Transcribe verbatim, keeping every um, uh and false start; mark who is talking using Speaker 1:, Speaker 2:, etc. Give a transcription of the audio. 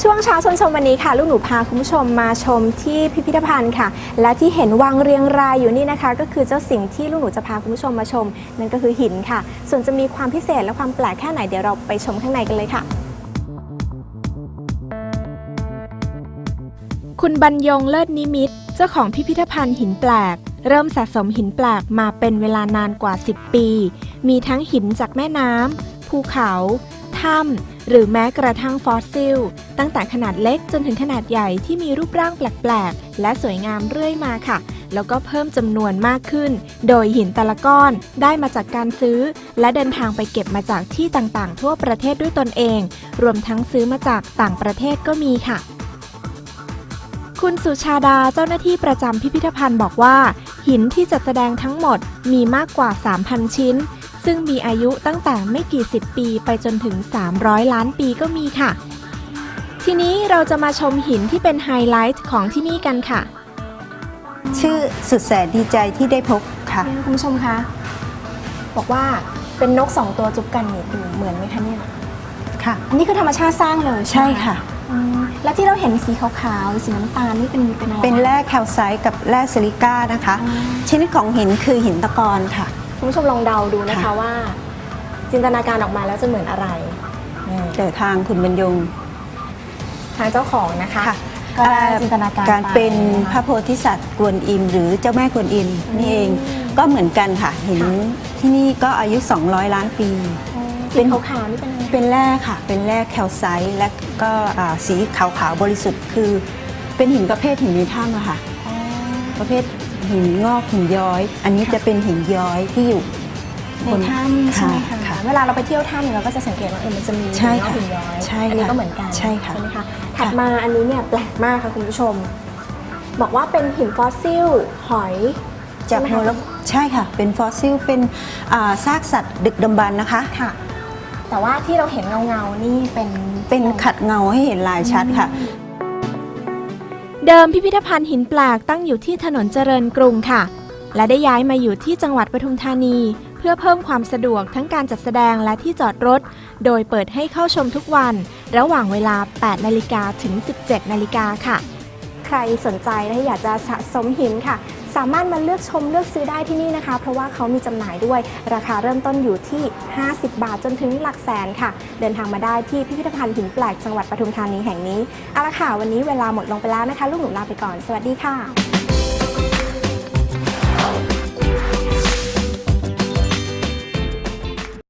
Speaker 1: ช่วงเช้าชวนชมวันนี้ค่ะลูกหนูพาคุณผู้ชมมาชมที่พิพิธภัณฑ์ค่ะและที่เห็นวางเรียงรายอยู่นี่นะคะก็คือเจ้าสิ่งที่ลูกหนูจะพาคุณผู้ชมมาชมนั่นก็คือหินค่ะส่วนจะมีความพิเศษและความแปลกแค่ไหนเดี๋ยวเราไปชมข้างในกันเลยค่ะคุณบรรยงเลิศนิมิตเจ้าของพิพิธภัณฑ์หินแปลกเริ่มสะสมหินแปลกมาเป็นเวลานานกว่าสิบปีมีทั้งหินจากแม่น้ำภูเขาถ้ำหรือแม้กระทั่งฟอสซิลตั้งแต่ขนาดเล็กจนถึงขนาดใหญ่ที่มีรูปร่างแปลกๆและสวยงามเรื่อยมาค่ะแล้วก็เพิ่มจำนวนมากขึ้นโดยหินแต่ละก้อนได้มาจากการซื้อและเดินทางไปเก็บมาจากที่ต่างๆทั่วประเทศด้วยตนเองรวมทั้งซื้อมาจากต่างประเทศก็มีค่ะคุณสุชาดาเจ้าหน้าที่ประจำพิพิธภัณฑ์บอกว่าหินที่จัดแสดงทั้งหมดมีมากกว่า สามพัน ชิ้นซึ่งมีอายุตั้งแต่ไม่กี่สิบปีไปจนถึงสามร้อยล้านปีก็มีค่ะทีนี้เราจะมาชมหินที่เป็นไฮไลท์ของที่นี่กันค่ะ
Speaker 2: ชื่อสุดแสนดีใจที่ได้พบค่ะ
Speaker 1: คุณผู้ชมคะบอกว่าเป็นนกสองตัวจุบกันนี่ดูเหมือนไหมคะเนี่ย
Speaker 2: ค่ะ
Speaker 1: นี่คือธรรมชาติสร้างเลย
Speaker 2: ใช่ค่ะ
Speaker 1: แล้วที่เราเห็นสีขาวๆสีน้ำตาลนี่เป็นเป็นอะไร
Speaker 2: เป็นแร่แคลไซต์กับแร่ซิลิก้านะคะชนิดของหินคือหินตะกอนค่ะ
Speaker 1: คุณผู้ชมลองเดาดูนะคะว่าจินตนาการออกมาแล้วจะเหมือนอะไร
Speaker 2: แต่ทางคุณบรรยง
Speaker 1: ทางเจ้าของนะคะก็ได้จินตนาการ
Speaker 2: การเป็นพระโพธิสัตว์กวนอิมหรือเจ้าแม่กวนอิมนี่เองก็เหมือนกันค่ะหินที่นี่ก็อายุสองร้อยล้านปี
Speaker 1: เป็นขาวๆนี่เป็นอะไร
Speaker 2: เป็นแร่ค่ะเป็นแร่แคลไซต์และก็สีขาวๆบริสุทธิ์คือเป็นหินประเภทหินในถ้ำอะค่ะประเภทหินงอกหินย้อยอันนี้จะเป็นหินย้อยที่อยู่
Speaker 1: ในถ้ำใช่ไหมคะเวลาเราไปเที่ยวถ้ำเราก็จะสังเกตว่าเออมันจะมีหินงอกหินย้อยอันนี้ก็เหมือนกัน
Speaker 2: ใช่ค่ะ
Speaker 1: ใช่ไหมคะถัดมาอันนี้เนี่ยแปลกมากค่ะคุณผู้ชมบอกว่าเป็นหินฟอสซิลหอย
Speaker 2: จากโมร็อกโกใช่ค่ะเป็นฟอสซิลเป็นซากสัตว์ดึกดำบรรพ์นะคะ
Speaker 1: ค่ะแต่ว่าที่เราเห็นเงาเงานี่เป็น
Speaker 2: เป็นขัดเงาให้เห็นลายชัดค่ะ
Speaker 1: เดิมพิพิธภัณฑ์หินแปลกตั้งอยู่ที่ถนนเจริญกรุงค่ะและได้ย้ายมาอยู่ที่จังหวัดปทุมธานีเพื่อเพิ่มความสะดวกทั้งการจัดแสดงและที่จอดรถโดยเปิดให้เข้าชมทุกวันระหว่างเวลา แปดนาฬิกา ถึง สิบเจ็ดนาฬิกาค่ะใครสนใจและอยากจะสะสมหินค่ะสามารถมาเลือกชมเลือกซื้อได้ที่นี่นะคะเพราะว่าเขามีจำหน่ายด้วยราคาเริ่มต้นอยู่ที่ห้าสิบบาทจนถึงหลักแสนค่ะเดินทางมาได้ที่พิพิธภัณฑ์หินแปลกจังหวัดปทุมธานีแห่งนี้เอาละค่ะวันนี้เวลาหมดลงไปแล้วนะคะลูกหนูลาไปก่อนสวัสดีค่ะ